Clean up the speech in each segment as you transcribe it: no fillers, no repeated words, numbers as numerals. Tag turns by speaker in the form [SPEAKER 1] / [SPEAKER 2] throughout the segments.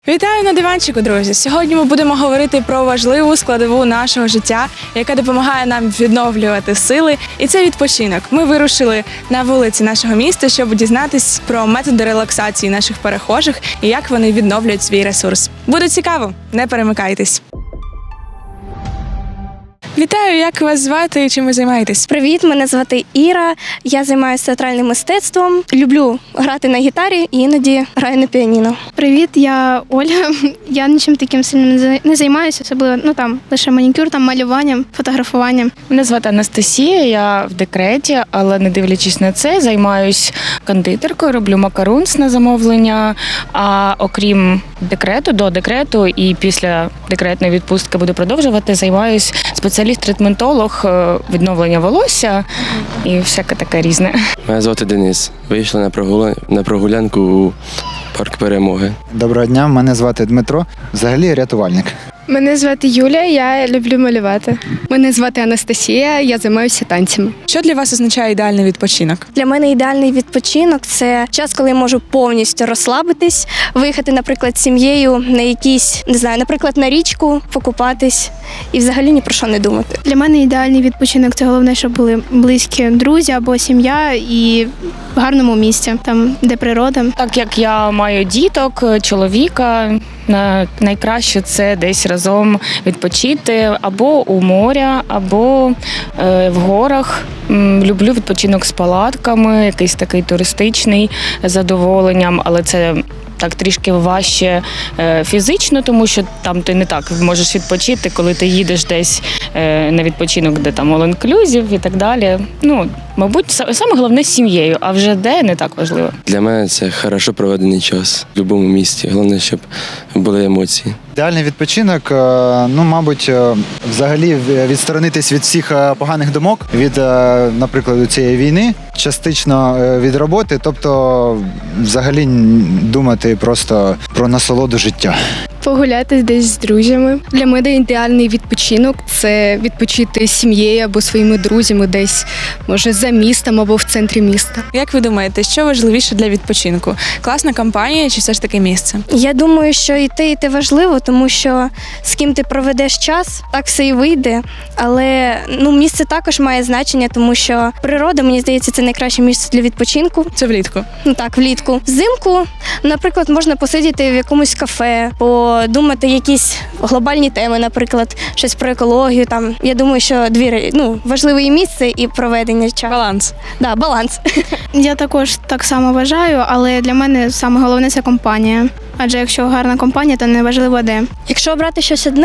[SPEAKER 1] Вітаю на диванчику, друзі! Сьогодні ми будемо говорити про важливу складову нашого життя, яка допомагає нам відновлювати сили, і це відпочинок. Ми вирушили на вулиці нашого міста, щоб дізнатись про методи релаксації наших перехожих і як вони відновлюють свій ресурс. Буде цікаво, не перемикайтесь! Вітаю, як вас звати і чим ви займаєтесь?
[SPEAKER 2] Привіт, мене звати Іра. Я займаюся театральним мистецтвом. Люблю грати на гітарі і іноді граю на піаніно.
[SPEAKER 3] Привіт, я Оля. Я нічим таким сильно не займаюся, особливо лише манікюр, малюванням, фотографуванням.
[SPEAKER 4] Мене звати Анастасія, я в декреті, але не дивлячись на це, займаюсь кондитеркою, роблю макарунс на замовлення. А окрім декрету, до декрету і після декретної відпустки буду продовжувати, займаюсь спеціаліст-третментолог відновлення волосся і всяке таке різне.
[SPEAKER 5] Мене звати Денис. Вийшли на прогулянку у парк Перемоги.
[SPEAKER 6] Доброго дня, мене звати Дмитро. Взагалі рятувальник.
[SPEAKER 7] Мене звати Юля, я люблю малювати. Мене звати Анастасія, я займаюся танцями.
[SPEAKER 1] Що для вас означає ідеальний відпочинок?
[SPEAKER 2] Для мене ідеальний відпочинок – це час, коли я можу повністю розслабитись, виїхати, наприклад, з сім'єю на якісь, наприклад, на річку, покупатись і взагалі ні про що не думати.
[SPEAKER 3] Для мене ідеальний відпочинок – це головне, щоб були близькі друзі або сім'я і в гарному місці, там, де природа.
[SPEAKER 4] Так як я маю діток, чоловіка, найкраще це десь разом відпочити або у моря, або в горах. Люблю відпочинок з палатками, якийсь такий туристичний, з задоволенням, але це так трішки важче фізично, тому що там ти не так можеш відпочити, коли ти їдеш десь на відпочинок, де там all-inclusive і так далі. Мабуть, саме головне з сім'єю, а вже де не так важливо.
[SPEAKER 5] Для мене це хорошо проведений час в будь-якому місті. Головне, щоб були емоції.
[SPEAKER 6] Ідеальний відпочинок, мабуть, взагалі відсторонитись від всіх поганих думок, від, наприклад, цієї війни, частично від роботи, тобто взагалі думати просто про насолоду життя.
[SPEAKER 7] Погуляти десь з друзями. Для мене ідеальний відпочинок – це відпочити з сім'єю або своїми друзями десь, може, за містом або в центрі міста.
[SPEAKER 1] Як ви думаєте, що важливіше для відпочинку? Класна компанія чи все ж таки місце?
[SPEAKER 2] Я думаю, що і те важливо, тому що з ким ти проведеш час, так все і вийде. Але місце також має значення, тому що природа, мені здається, це найкраще місце для відпочинку.
[SPEAKER 1] Це влітку.
[SPEAKER 2] Так, влітку. Взимку, наприклад, можна посидіти в якомусь кафе, подумати якісь глобальні теми, наприклад, щось про екологію. Там, я думаю, що важливе і місце, і проведення часу.
[SPEAKER 1] Баланс.
[SPEAKER 2] Да, баланс.
[SPEAKER 3] Я також так само вважаю, але для мене саме головне – це компанія. Адже якщо гарна компанія, то не важливо де.
[SPEAKER 2] Якщо обрати щось одне,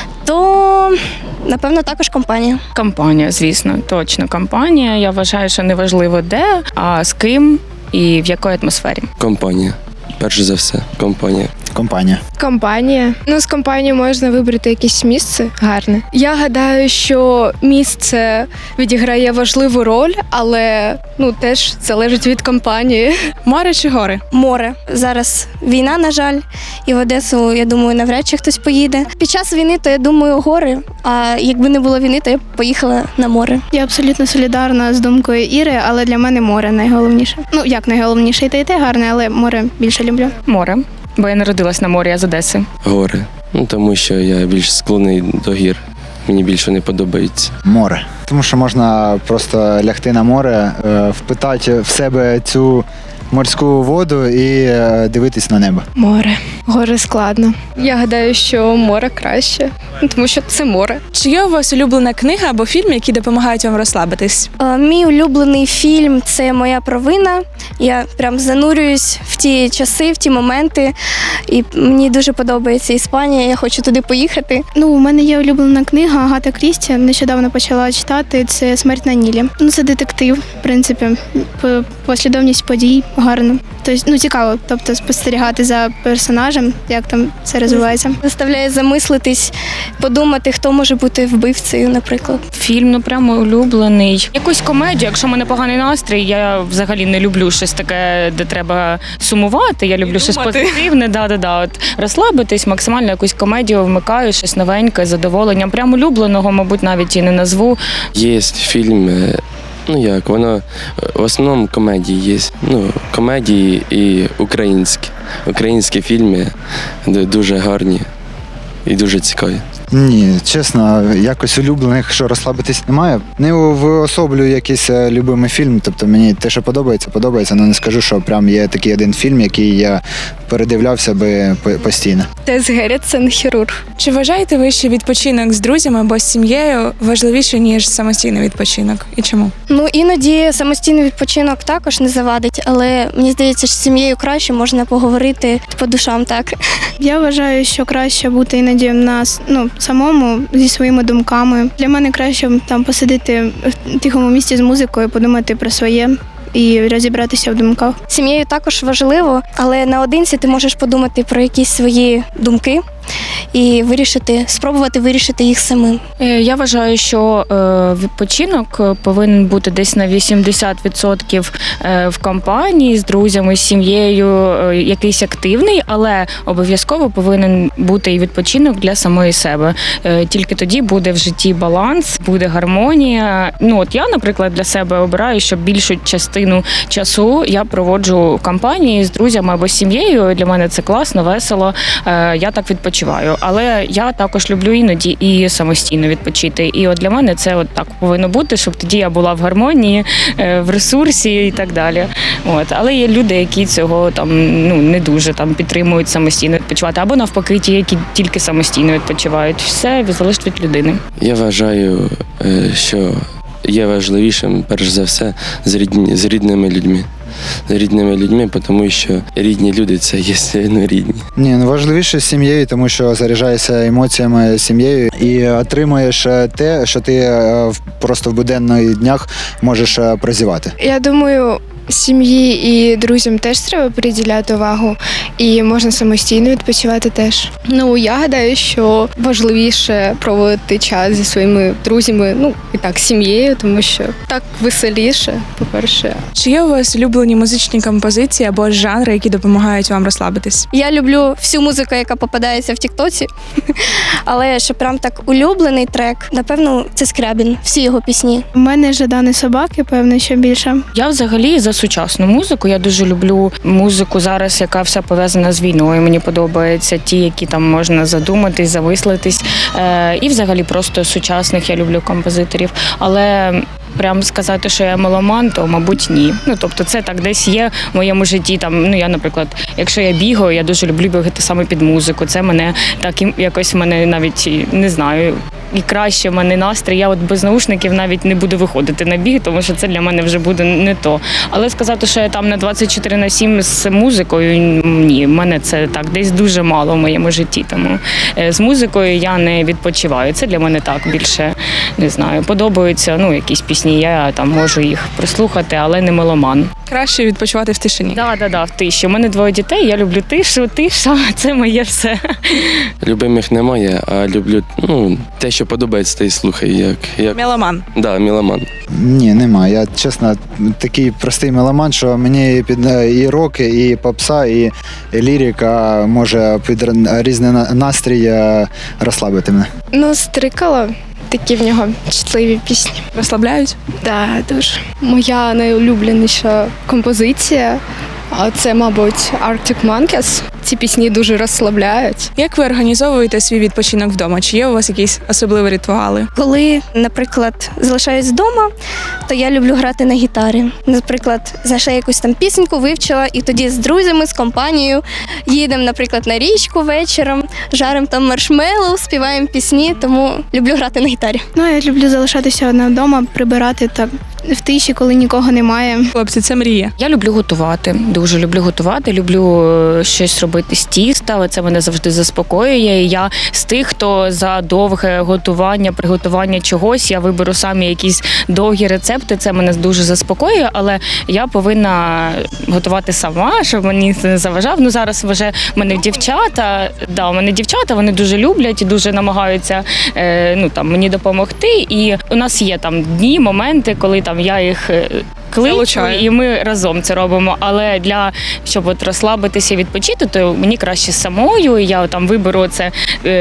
[SPEAKER 2] то, напевно, також компанія.
[SPEAKER 4] Компанія, звісно, точно компанія. Я вважаю, що не важливо де, а з ким і в якій атмосфері.
[SPEAKER 5] Компанія. Перш за все, компанія.
[SPEAKER 6] Компанія.
[SPEAKER 7] Компанія. З компанією можна вибрати якесь місце гарне. Я гадаю, що місце відіграє важливу роль, але теж залежить від компанії.
[SPEAKER 1] Море чи гори?
[SPEAKER 2] Море. Зараз війна, на жаль, і в Одесу, я думаю, навряд чи хтось поїде. Під час війни, то я думаю, гори, а якби не було війни, то я б поїхала на море.
[SPEAKER 3] Я абсолютно солідарна з думкою Іри, але для мене море найголовніше. Як найголовніше, і те гарне, але море більше люблю.
[SPEAKER 4] Море. Бо я народилась на морі, я з Одеси.
[SPEAKER 5] Гори. Тому що я більш склонний до гір. Мені більше не подобається.
[SPEAKER 6] Море. Тому що можна просто лягти на море, впитати в себе цю морську воду і дивитись на небо.
[SPEAKER 7] Море. Гори складно. Я гадаю, що море краще, тому що це море.
[SPEAKER 1] Чи є у вас улюблена книга або фільм, які допомагають вам розслабитись?
[SPEAKER 2] Мій улюблений фільм – це «Моя провина». Я прям занурююсь в ті часи, в ті моменти, і мені дуже подобається Іспанія, я хочу туди поїхати.
[SPEAKER 3] У мене є улюблена книга Агата Крісті, нещодавно почала читати, це «Смерть на Нілі». Це детектив, в принципі, послідовність подій гарно. Тобто, цікаво, спостерігати за персонажем, як там це розвивається.
[SPEAKER 2] Заставляє замислитись, подумати, хто може бути вбивцею, наприклад.
[SPEAKER 4] Фільм, прямо улюблений. Якусь комедію, якщо в мене поганий настрій, я взагалі не люблю щось таке, де треба сумувати, я люблю щось позитивне, розслабитись, максимально якусь комедію вмикаю, щось новеньке, з задоволенням. Прямо улюбленого, мабуть, навіть і не назву.
[SPEAKER 5] Є фільм Ну як, воно в основному комедії є. Ну, комедії і українські. Українські фільми дуже гарні і дуже цікаві.
[SPEAKER 6] Ні, чесно, якось улюблених, що розслабитись немає. Не виособлюю якийсь любимий фільм, тобто мені те, що подобається, але не скажу, що прям є такий один фільм, який я передивлявся би постійно.
[SPEAKER 7] Тес Геррітсен, хірург.
[SPEAKER 1] Чи вважаєте ви, що відпочинок з друзями або з сім'єю важливіший, ніж самостійний відпочинок? І чому?
[SPEAKER 2] Ну іноді самостійний відпочинок також не завадить, але мені здається, що з сім'єю краще можна поговорити по душам, так.
[SPEAKER 3] Я вважаю, що краще бути іноді самому зі своїми думками. Для мене краще там посидіти в тихому місці з музикою, подумати про своє і розібратися в думках.
[SPEAKER 2] Сім'єю також важливо, але наодинці ти можеш подумати про якісь свої думки і спробувати вирішити їх самим.
[SPEAKER 4] Я вважаю, що відпочинок повинен бути десь на 80% в компанії з друзями, з сім'єю, якийсь активний, але обов'язково повинен бути і відпочинок для самої себе. Тільки тоді буде в житті баланс, буде гармонія. Ну от я, наприклад, для себе обираю, що більшу частину часу я проводжу в компанії з друзями або з сім'єю. Для мене це класно, весело. Я так відпочиваю. Але я також люблю іноді і самостійно відпочити. І от для мене це от так повинно бути, щоб тоді я була в гармонії, в ресурсі і так далі. От. Але є люди, які цього не дуже підтримують самостійно відпочивати, або навпаки, ті, які тільки самостійно відпочивають. Все залежить від людини.
[SPEAKER 5] Я вважаю, що є важливішим, перш за все, з рідними людьми. З рідними людьми, тому що рідні люди – це є рідні.
[SPEAKER 6] Ні, важливіше з сім'єю, тому що заряджаєшся емоціями з сім'єю і отримуєш те, що ти просто в буденних днях можеш прозівати.
[SPEAKER 7] Я думаю, сім'ї і друзям теж треба приділяти увагу, і можна самостійно відпочивати теж. Ну, я гадаю, що важливіше проводити час зі своїми друзями, і так, сім'єю, тому що так веселіше, по-перше.
[SPEAKER 1] Чи є у вас улюблені музичні композиції або жанри, які допомагають вам розслабитись?
[SPEAKER 2] Я люблю всю музику, яка попадається в Тіктоці, але що прям так улюблений трек, напевно, це Скрябін, всі його пісні.
[SPEAKER 3] У мене Жадани собаки, певно, що більше.
[SPEAKER 4] Я взагалі за сучасну музику. Я дуже люблю музику зараз, яка вся пов'язана з війною. Мені подобаються ті, які там можна задуматись, замислитись. І взагалі просто сучасних я люблю композиторів. Але прям сказати, що я меломан, то, мабуть, ні. Тобто це так десь є в моєму житті. Я, наприклад, якщо я бігаю, я дуже люблю бігати саме під музику. Це мене так якось навіть, не знаю, і краще в мене настрій. Я от без наушників навіть не буду виходити на біг, тому що це для мене вже буде не то. Але сказати, що я там на 24/7 з музикою, ні, в мене це так десь дуже мало в моєму житті. Тому з музикою я не відпочиваю. Це для мене так більше, не знаю, подобаються якісь пісні, я там можу їх прослухати, але не меломан.
[SPEAKER 1] Краще відпочивати в тишині.
[SPEAKER 4] Да, в тиші. У мене 2 дітей, я люблю тиша – це моє все.
[SPEAKER 5] Любимих немає, а люблю те, що подобається, те й слухаю.
[SPEAKER 1] Меломан.
[SPEAKER 5] Да, меломан.
[SPEAKER 6] Ні, немає. Я, чесно, такий простий меломан, що мені під і рок, і попса, і лірика може під різний настрій розслабити мене.
[SPEAKER 7] Стрикало. Такі в нього чутливі пісні.
[SPEAKER 1] Розслабляють?
[SPEAKER 7] Так, дуже. Моя найулюбленіша композиція, це, мабуть, Arctic Monkeys. Ці пісні дуже розслабляють.
[SPEAKER 1] Як ви організовуєте свій відпочинок вдома? Чи є у вас якісь особливі ритуали?
[SPEAKER 2] Коли, наприклад, залишаюсь вдома, то я люблю грати на гітарі. Наприклад, знайшла якусь там пісеньку, вивчила, і тоді з друзями, з компанією їдемо, наприклад, на річку вечором, жаримо там маршмеллоу, співаємо пісні, тому люблю грати на гітарі.
[SPEAKER 3] Я люблю залишатися одна вдома, прибирати так в тиші, коли нікого немає.
[SPEAKER 1] Хлопці, це мрія.
[SPEAKER 4] Я люблю готувати, дуже люблю готувати, люблю щось робити з тіста, це мене завжди заспокоює. І я з тих, хто за довге готування, приготування чогось, я виберу самі якісь довгі рецепти, це мене дуже заспокоює, але я повинна готувати сама, щоб мені це не заважав. Зараз вже в мене дівчата, вони дуже люблять і дуже намагаються мені допомогти. І у нас є дні, моменти, коли я їх кличу,
[SPEAKER 1] Залучає.
[SPEAKER 4] і ми разом це робимо. Але щоб от розслабитися і відпочити, то мені краще самою. Я там виберу це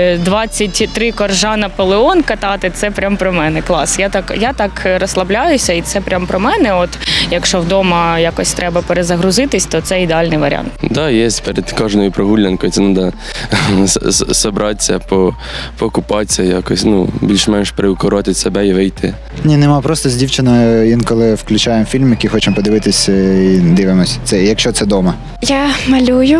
[SPEAKER 4] 23 коржа Наполеон катати. Це прям про мене. Клас. Я так розслабляюся, і це прям про мене. От якщо вдома якось треба перезагрузитись, то це ідеальний варіант.
[SPEAKER 5] Да, є перед кожною прогулянкою. Це треба зібратися, покупатися якось, більш-менш приукоротити себе і вийти.
[SPEAKER 6] Ні, нема, просто з дівчиною інколи включаємо фільм, який хочемо подивитись і дивимося. Це якщо це вдома.
[SPEAKER 7] Я малюю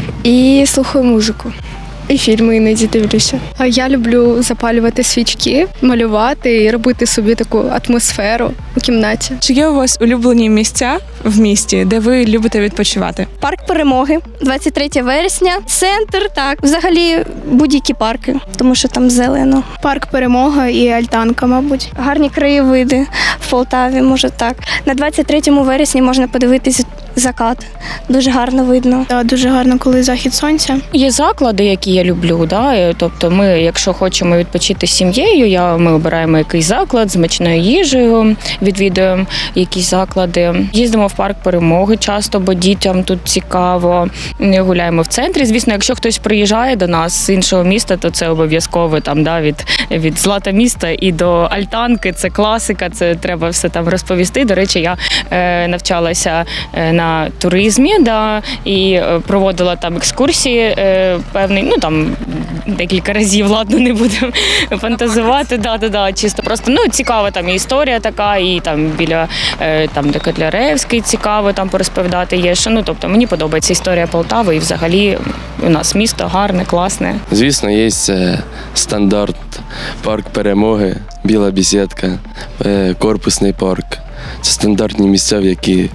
[SPEAKER 7] і слухаю музику. І фільми іноді дивлюся. А я люблю запалювати свічки, малювати і робити собі таку атмосферу у кімнаті.
[SPEAKER 1] Чи є у вас улюблені місця в місті, де ви любите відпочивати?
[SPEAKER 2] Парк Перемоги, 23 вересня, центр, так. Взагалі будь-які парки, тому що там зелено.
[SPEAKER 3] Парк Перемога і Альтанка, мабуть.
[SPEAKER 2] Гарні краєвиди в Полтаві, може так. На 23 вересні можна подивитись закат. Дуже гарно видно.
[SPEAKER 3] Та дуже гарно, коли захід сонця.
[SPEAKER 4] Є заклади, які я люблю. Да? Тобто ми, якщо хочемо відпочити з сім'єю, ми обираємо якийсь заклад з смачною їжею, відвідуємо якісь заклади. Їздимо в парк Перемоги часто, бо дітям тут цікаво. Гуляємо в центрі. Звісно, якщо хтось приїжджає до нас з іншого міста, то це обов'язково там, да, від Злата міста і до Альтанки. Це класика, це треба все там розповісти. До речі, я навчалася на туризмі, да, і проводила там екскурсії певний, там декілька разів, ладно, не будемо фантазувати. Да, чисто просто цікава там і історія така, і там біля там де Котляревський цікаво там порозповідати є. Що, тобто мені подобається історія Полтави, і взагалі у нас місто гарне, класне.
[SPEAKER 5] Звісно, є стандарт парк Перемоги, Біла бесідка, корпусний парк. Це стандартні місця, в які,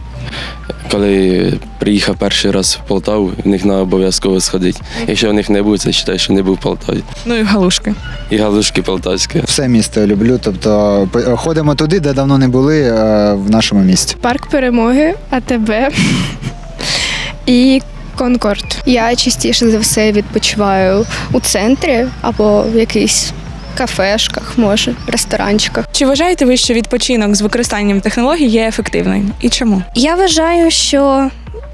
[SPEAKER 5] коли приїхав перший раз в Полтаву, в них треба обов'язково сходити. Якщо в них не буде, це вважаю, що не був в Полтаві.
[SPEAKER 1] Ну і галушки.
[SPEAKER 5] І галушки полтавські.
[SPEAKER 6] Все місто люблю, тобто ходимо туди, де давно не були в нашому місті.
[SPEAKER 7] Парк Перемоги, АТБ і Конкорд. Я частіше за все відпочиваю у центрі або в якихось кафешках, може, ресторанчиках.
[SPEAKER 1] Чи вважаєте ви, що відпочинок з використанням технологій є ефективним? І чому?
[SPEAKER 2] Я вважаю, що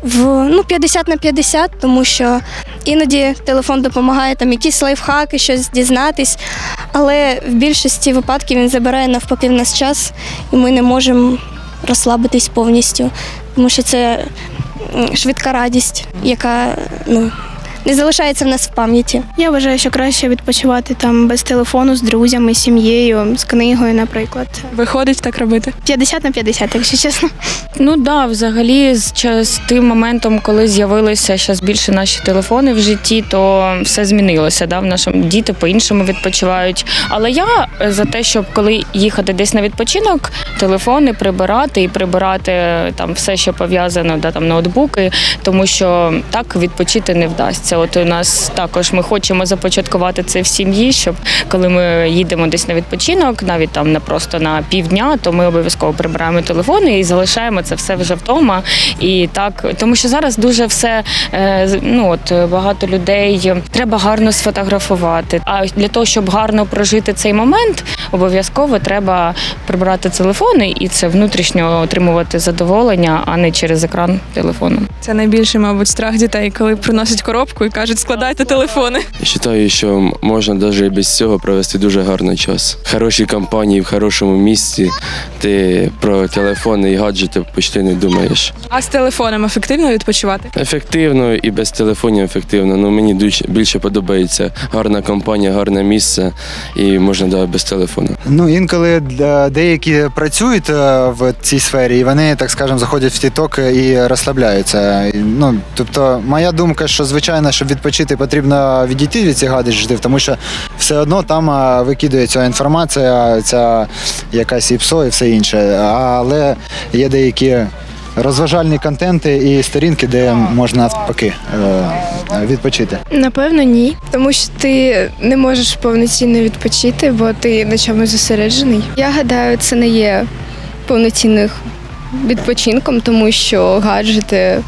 [SPEAKER 2] 50/50, тому що іноді телефон допомагає там якісь лайфхаки, щось дізнатись, але в більшості випадків він забирає навпаки в нас час, і ми не можемо розслабитись повністю, тому що це швидка радість, яка не залишається в нас в пам'яті.
[SPEAKER 3] Я вважаю, що краще відпочивати там без телефону, з друзями, з сім'єю, з книгою, наприклад.
[SPEAKER 1] Виходить так робити?
[SPEAKER 3] 50/50, якщо чесно.
[SPEAKER 4] Взагалі з тим моментом, коли з'явилися зараз більше наші телефони в житті, то все змінилося. Да? В нашому діти по-іншому відпочивають. Але я за те, щоб коли їхати десь на відпочинок, телефони прибирати і прибирати там все, що пов'язано, там ноутбуки, тому що так відпочити не вдасться. От у нас також ми хочемо започаткувати це в сім'ї, щоб коли ми їдемо десь на відпочинок, навіть там просто на півдня, то ми обов'язково прибираємо телефони і залишаємо це все вже вдома. І так, тому що зараз дуже все, багато людей треба гарно сфотографувати. А для того, щоб гарно прожити цей момент, обов'язково треба прибирати телефони і це внутрішньо отримувати задоволення, а не через екран телефону.
[SPEAKER 1] Це найбільший, мабуть, страх дітей, коли приносять коробку і кажуть, складайте телефони.
[SPEAKER 5] Я вважаю, що можна навіть і без цього провести дуже гарний час. В хорошій компанії, в хорошому місці ти про телефони і гаджети почти не думаєш.
[SPEAKER 1] А з телефоном ефективно відпочивати?
[SPEAKER 5] Ефективно і без телефонів ефективно. Мені більше подобається гарна компанія, гарне місце і можна без телефону.
[SPEAKER 6] Інколи деякі працюють в цій сфері, і вони, так скажемо, заходять в TikTok і розслабляються. Тобто, моя думка, що, звичайно, щоб відпочити, потрібно відійти від цих гаджетів, тому що все одно там викидується інформація, ця якась ІПСО і все інше. Але є деякі розважальні контенти і сторінки, де можна навпаки відпочити.
[SPEAKER 7] Напевно, ні. Тому що ти не можеш повноцінно відпочити, бо ти на чомусь зосереджений. Я гадаю, це не є повноцінним відпочинком, тому що гаджети,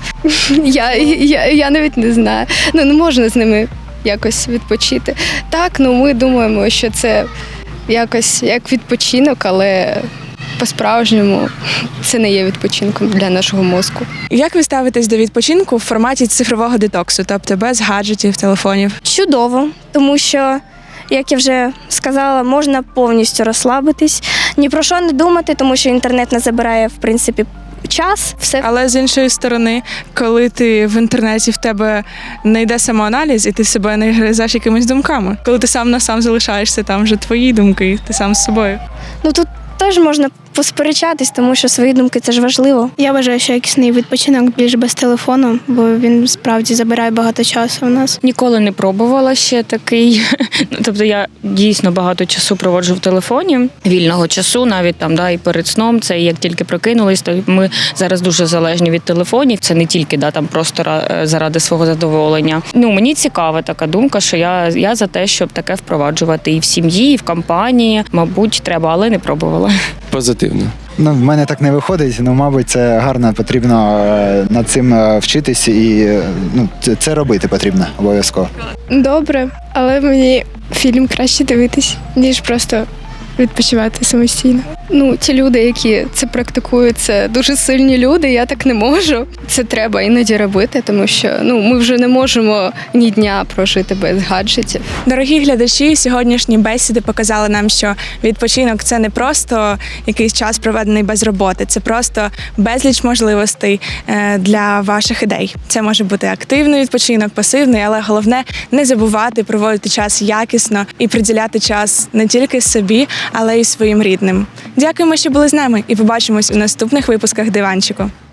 [SPEAKER 7] я навіть не знаю, не можна з ними якось відпочити. Так, ми думаємо, що це якось як відпочинок, але по-справжньому це не є відпочинком для нашого мозку.
[SPEAKER 1] Як ви ставитесь до відпочинку в форматі цифрового детоксу, тобто без гаджетів, телефонів?
[SPEAKER 2] Чудово, тому що, як я вже сказала, можна повністю розслабитись, ні про що не думати, тому що інтернет не забирає, в принципі, час. Все
[SPEAKER 1] Але з іншої сторони, коли ти в інтернеті, в тебе не йде самоаналіз, і ти себе не гризеш якимись думками. Коли ти сам на сам залишаєшся, там вже твої думки, ти сам з собою.
[SPEAKER 2] ну тут теж можна посперечатись, тому що свої думки це ж важливо.
[SPEAKER 3] Я вважаю, що якісний відпочинок більш без телефону, бо він справді забирає багато часу у нас.
[SPEAKER 4] Ніколи не пробувала ще такий. Ну, тобто я дійсно багато часу проводжу в телефоні, вільного часу, навіть там, да, і перед сном. Це як тільки прокинулись, то ми зараз дуже залежні від телефонів. Це не тільки там просто заради свого задоволення. Ну, мені цікава така думка, що я за те, щоб таке впроваджувати і в сім'ї, і в компанії. Мабуть, треба, але не пробувала.
[SPEAKER 5] Позитивно.
[SPEAKER 6] Ну, в мене так не виходить, мабуть, це гарно, потрібно над цим вчитись і це робити потрібно обов'язково.
[SPEAKER 7] Добре, але мені фільм краще дивитись, ніж просто відпочивати самостійно. Ну, ті люди, які це практикують, це дуже сильні люди, я так не можу. Це треба іноді робити, тому що ми вже не можемо ні дня прожити без гаджетів.
[SPEAKER 1] Дорогі глядачі, сьогоднішні бесіди показали нам, що відпочинок – це не просто якийсь час, проведений без роботи, це просто безліч можливостей для ваших ідей. Це може бути активний відпочинок, пасивний, але головне – не забувати проводити час якісно і приділяти час не тільки собі, але й своїм рідним. Дякуємо, що були з нами, і побачимось у наступних випусках «Диванчику».